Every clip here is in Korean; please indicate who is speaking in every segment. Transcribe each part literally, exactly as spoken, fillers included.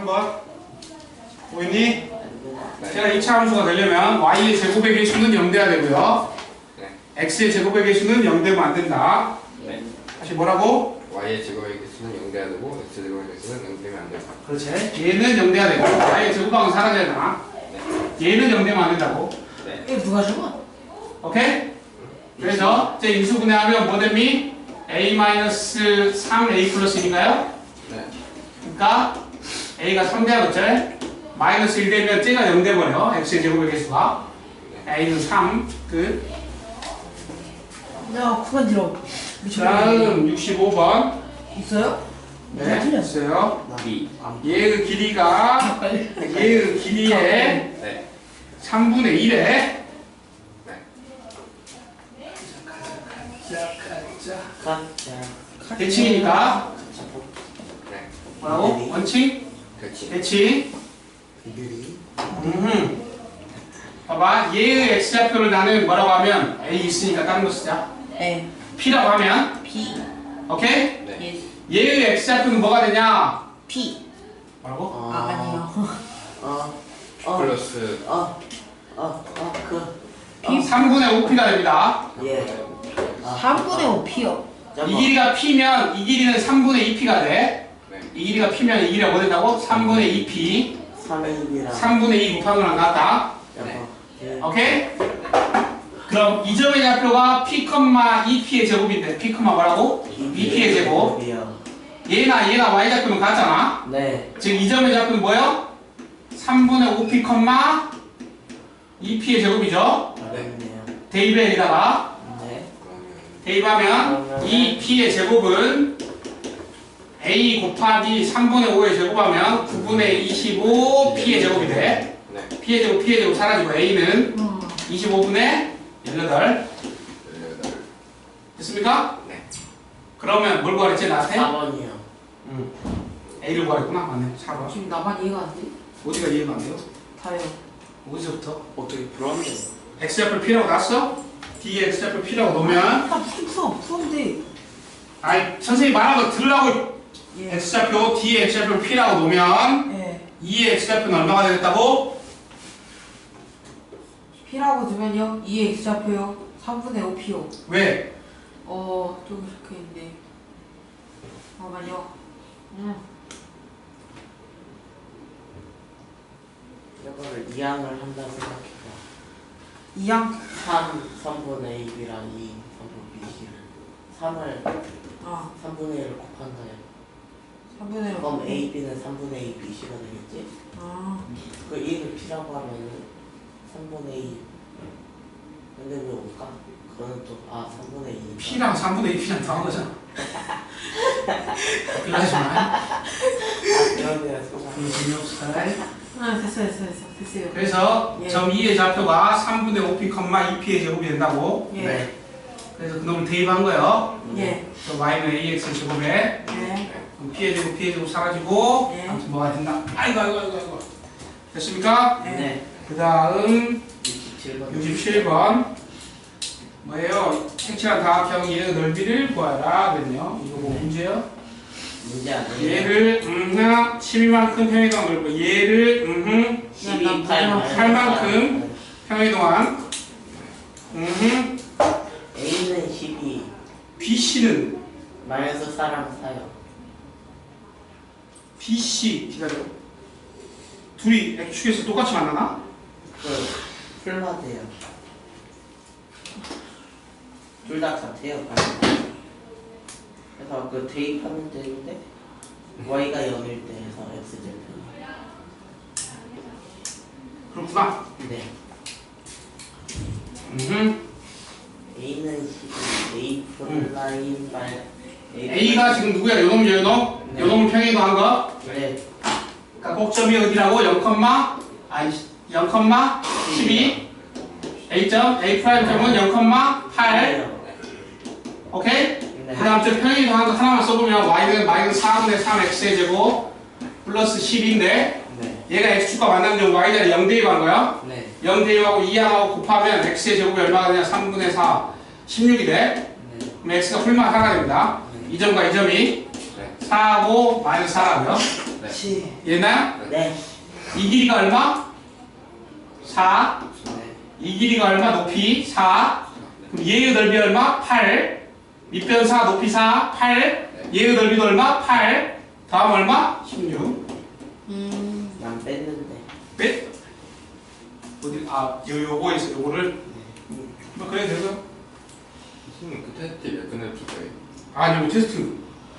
Speaker 1: 번. 보이니? 제가 이 차 함수가 되려면 y의 제곱의 개수는 영 돼야 되고요.
Speaker 2: 네.
Speaker 1: x의 제곱의 개수는 영 되면 안 된다.
Speaker 2: 네.
Speaker 1: 다시 뭐라고?
Speaker 2: y의 제곱의 개수는 영 돼야 되고 x 제곱의 개수는 영 되면 안 된다.
Speaker 1: 그렇지. 얘는 영 돼야 되고 y의 제곱방은 사라져야 되나?
Speaker 2: 네.
Speaker 1: 얘는 영 되면 안 된다고.
Speaker 2: 네.
Speaker 3: 이거 누가 준
Speaker 1: 오케이? 그래서 이제 인수분해하면 뭐 됩니? a 마이너스 삼 a 플러스 일인가요?
Speaker 2: 네.
Speaker 1: 그러니까 a가 삼 돼야겠죠? 마이너스 일 되면 쟤가 영 돼버려. x의 제곱의 개수가. a는 삼. 끝.
Speaker 3: 야, 그만 들어.
Speaker 1: 다음 육십오 번.
Speaker 3: 있어요?
Speaker 1: 네,
Speaker 3: 틀렸어.
Speaker 1: 있어요.
Speaker 2: B.
Speaker 1: 얘의 길이가 얘의 길이의
Speaker 2: 네.
Speaker 1: 삼분의 일에
Speaker 2: 네.
Speaker 1: 대칭이니까
Speaker 2: 네.
Speaker 1: 뭐라고? 원칙?
Speaker 2: 그렇지.
Speaker 1: 대칭. 음. 봐봐. 얘의 x좌표를 나는 뭐라고 하면 a 있으니까 다른 거 쓰자.
Speaker 3: 네.
Speaker 1: p라고 하면
Speaker 3: P.
Speaker 1: 오케이?
Speaker 2: 네.
Speaker 3: 예스.
Speaker 1: 얘의 x좌표는 뭐가 되냐?
Speaker 3: P.
Speaker 1: 뭐라고?
Speaker 3: 아, 아니요.
Speaker 4: 어, 어,
Speaker 2: 플러스
Speaker 4: 어, 어, 어, 그,
Speaker 3: P.
Speaker 1: 삼분의 오 p가 됩니다.
Speaker 4: 예. 아,
Speaker 3: 삼분의 오 P요.
Speaker 1: 이 길이가 p면 이 길이는 삼분의 이 p가 돼.
Speaker 2: 네.
Speaker 1: 이 길이가 p면 이 길이가 뭐 된다고? 삼분의 이 p.
Speaker 4: 삼일이랑.
Speaker 1: 삼분의 이 곱하면 안 나왔다.
Speaker 2: 네.
Speaker 4: 예.
Speaker 1: 오케이? 그럼 이 점의 좌표가 p, 이 p의 제곱인데 p, 뭐라고? 이 p의 제곱.
Speaker 4: 제곱이요.
Speaker 1: 얘나 얘나 y 좌표는 같잖아.
Speaker 4: 네.
Speaker 1: 지금 이 점의 좌표는 뭐예요? 삼분의 오 p, 이 p의 제곱이죠.
Speaker 4: 알겠네요.
Speaker 1: 대입에 여기다가
Speaker 4: 네.
Speaker 2: 그러면
Speaker 1: 대입하면 이 p의 제곱은 a 곱하기 삼분의 오의 제곱하면 구분의 이십오 p의 제곱이 돼.
Speaker 2: 네.
Speaker 1: p의 제곱, p의 제곱 사라지고 a는
Speaker 3: 음.
Speaker 1: 이십오분의 십팔.
Speaker 2: 열여덟.
Speaker 1: 됐습니까?
Speaker 2: 네.
Speaker 1: 그러면 뭘 구하랬지 나한테?
Speaker 4: 사 번이요.
Speaker 1: 응. a를 구하랬구나. 맞네. 사 번.
Speaker 3: 지금 나만 이해가 안 돼?
Speaker 1: 어디가 이해가 안 돼요?
Speaker 3: 다요.
Speaker 1: 어디서부터?
Speaker 4: 어떻게 불안해요?
Speaker 1: x좌표 p라고 놨어? D에 x좌표 p라고 놓으면
Speaker 3: 나 무슨 풀어? 풀었는데.
Speaker 1: 아이 선생님이 말한 거 들으라고.
Speaker 3: 예.
Speaker 1: x좌표 D에 x좌표 p라고 놓으면
Speaker 3: 예.
Speaker 1: 이의 x좌표는 얼마가 되겠다고?
Speaker 3: P라고 두면요. 이의 X좌표요. 삼분의 오 P요.
Speaker 1: 왜?
Speaker 3: 어, 좀 이렇게 있는데. 잠깐만요. 음.
Speaker 4: 이거를 이항을 한다고 생각해봐.
Speaker 3: 이항.
Speaker 4: 삼, 삼분의 A랑 이, 삼분의 B를. 삼을,
Speaker 3: 아,
Speaker 4: 삼분의 일을 곱한다요.
Speaker 3: 삼분의 오.
Speaker 4: 그럼 A, B는 삼분의 이, B씨가 되겠지?
Speaker 3: 아,
Speaker 4: 그 일을 P라고 하면은 삼분의 이. 근데 왜 올까? 그거는 또, 아, 삼분의 이.
Speaker 1: p랑 삼분의 이 p랑 더한 거잖아. 그러지 마.
Speaker 4: 아, 그러네요.
Speaker 1: 그거 재미없어.
Speaker 3: 아, 됐어, 됐어, 됐어, 됐어요.
Speaker 1: 그래서
Speaker 3: 예.
Speaker 1: 점 이의 좌표가 삼분의 오 p, 이 p의 제곱이 된다고.
Speaker 3: 예.
Speaker 4: 네.
Speaker 1: 그래서 그놈을 대입한 거예요.
Speaker 3: 예.
Speaker 1: 그 y는 ax 제곱에
Speaker 3: 예.
Speaker 1: 그럼 p의 제곱, p의 제곱 사라지고
Speaker 3: 예.
Speaker 1: 아무튼 뭐가 된다. 아이고 아이고 아이고 아이고. 됐습니까?
Speaker 3: 예.
Speaker 4: 네.
Speaker 1: 그 다음
Speaker 4: 육십칠 번.
Speaker 1: 육십칠 번 뭐예요? 색칠한 다각형 얘의 넓이를 구하라 그랬네요. 이거 뭐 문제요?
Speaker 4: 문제 아니에요?
Speaker 1: 얘를 음흠 십이만큼 평이동안 넓고 얘를 음흠
Speaker 4: 십이,
Speaker 1: 팔만큼 평이동안 음흠
Speaker 4: A는 십이,
Speaker 1: bc는
Speaker 4: 마이너스 사랑 사요.
Speaker 1: bc 기다려. 둘이 x축에서 똑같이 만나나?
Speaker 4: 그 풀마드요. 둘 다 같아요. 그래서 그 대입하면 되는데 y가 영일 때 해서 x 제편.
Speaker 1: 그렇구나.
Speaker 4: 네.
Speaker 1: 음흠
Speaker 4: A는 십이, A 플라인 말
Speaker 1: a가 지금 누구야? 요놈 요놈?
Speaker 4: 네.
Speaker 1: 요놈을 평이동한 거?
Speaker 4: 네.
Speaker 1: 그러니까 꼭점이 어디라고? 영, 아니 영, 십이 A점, A 프라임 점은 영, 팔 오케이?
Speaker 4: 네.
Speaker 1: 그 다음 저 평행이동한 거 하나만 써보면 y는 마이너스 사분의 삼 x의 제곱 플러스 십인데
Speaker 4: 네.
Speaker 1: 얘가 x축과 만나는 점 y자리 영 대입한 거야.
Speaker 4: 네.
Speaker 1: 영 대입하고 이항하고 곱하면 x의 제곱이 얼마가 되냐? 삼분의 사, 십육이 돼.
Speaker 4: 네.
Speaker 1: 그럼 x가 훌만 하나가 됩니다.
Speaker 4: 네.
Speaker 1: 이 점과 이 점이
Speaker 2: 네.
Speaker 1: 사하고 마이너스 사라고요.
Speaker 2: 네.
Speaker 4: 칠.
Speaker 1: 얘나요?
Speaker 4: 네.
Speaker 1: 이 길이가 얼마? 사.
Speaker 4: 네.
Speaker 1: 이 길이가 얼마? 높이 사. 그럼 얘의 넓이 얼마? 팔. 밑변 사, 높이 사, 팔. 얘의 넓이도 얼마? 팔. 다음 얼마? 십육.
Speaker 3: 음.
Speaker 4: 난 뺐는데.
Speaker 1: 몇? 어디? 아, 요, 요거 있어, 요거를. 뭐, 그래, 되죠?
Speaker 2: 선생님 그 테스트 몇 분에 줄 거예요?
Speaker 1: 아니, 뭐, 테스트.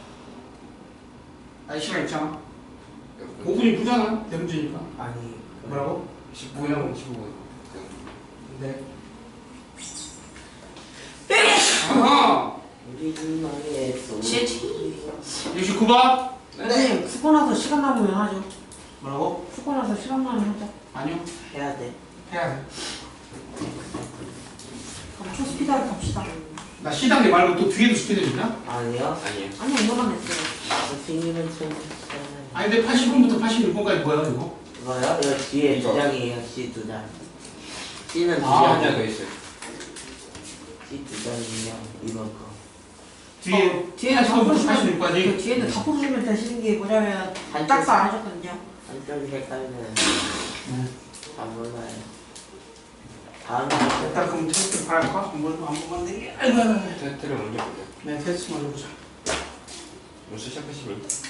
Speaker 1: 아니, 시간 있잖아.
Speaker 2: 몇 분?
Speaker 1: 오 분이 부잖아. 대문제니까.
Speaker 4: 아니.
Speaker 1: 뭐라고?
Speaker 2: 십오 분, 십오 분.
Speaker 1: 네. 아하!
Speaker 4: 우리 나의 소.
Speaker 3: 제티.
Speaker 1: 육십구 번?
Speaker 3: 선생님 쓰고 나서 시간 남으면 하죠.
Speaker 1: 뭐라고?
Speaker 3: 쓰고 나서 시간 남으면 하자.
Speaker 1: 아니요.
Speaker 4: 해야 돼.
Speaker 1: 해야 돼.
Speaker 3: 그럼 초스피드하게 갑시다.
Speaker 1: 나 C단계 말고 또 뒤에도 스피드 있나?
Speaker 4: 아니요.
Speaker 2: 아니에요.
Speaker 3: 아니 이거만 했어요.
Speaker 4: 선생님은 좀.
Speaker 1: 아니, 근데 팔십 분부터 팔십육 분까지 뭐야, 이거?
Speaker 4: 이거요? 이거 뒤에
Speaker 2: 이거.
Speaker 4: 두 장이에요. C 두 장. C는 두
Speaker 1: 아,
Speaker 2: 한 장 더
Speaker 4: 장.
Speaker 2: 있어요.
Speaker 4: C 두 장이에요. 이번 거.
Speaker 1: 뒤에
Speaker 3: 어, 뒤에는 다
Speaker 1: 팔십 분부터
Speaker 3: 풀어주면 그
Speaker 1: 팔십육까지.
Speaker 3: 뒤에는 다 풀어주면 되시는 게 뭐냐면
Speaker 4: 한쪽
Speaker 3: 딱사 안 하셨거든요.
Speaker 4: 한쪽이 헷갈리는.
Speaker 1: 네.
Speaker 4: 다 몰라요. 다음
Speaker 1: 일단 그럼 테스트 할까? 한번 한 번만 내게. 아이고, 아이고, 아이고.
Speaker 2: 테스트를 먼저 보자.
Speaker 1: 네, 테스트 먼저 보자.
Speaker 2: 벌써 시작하시면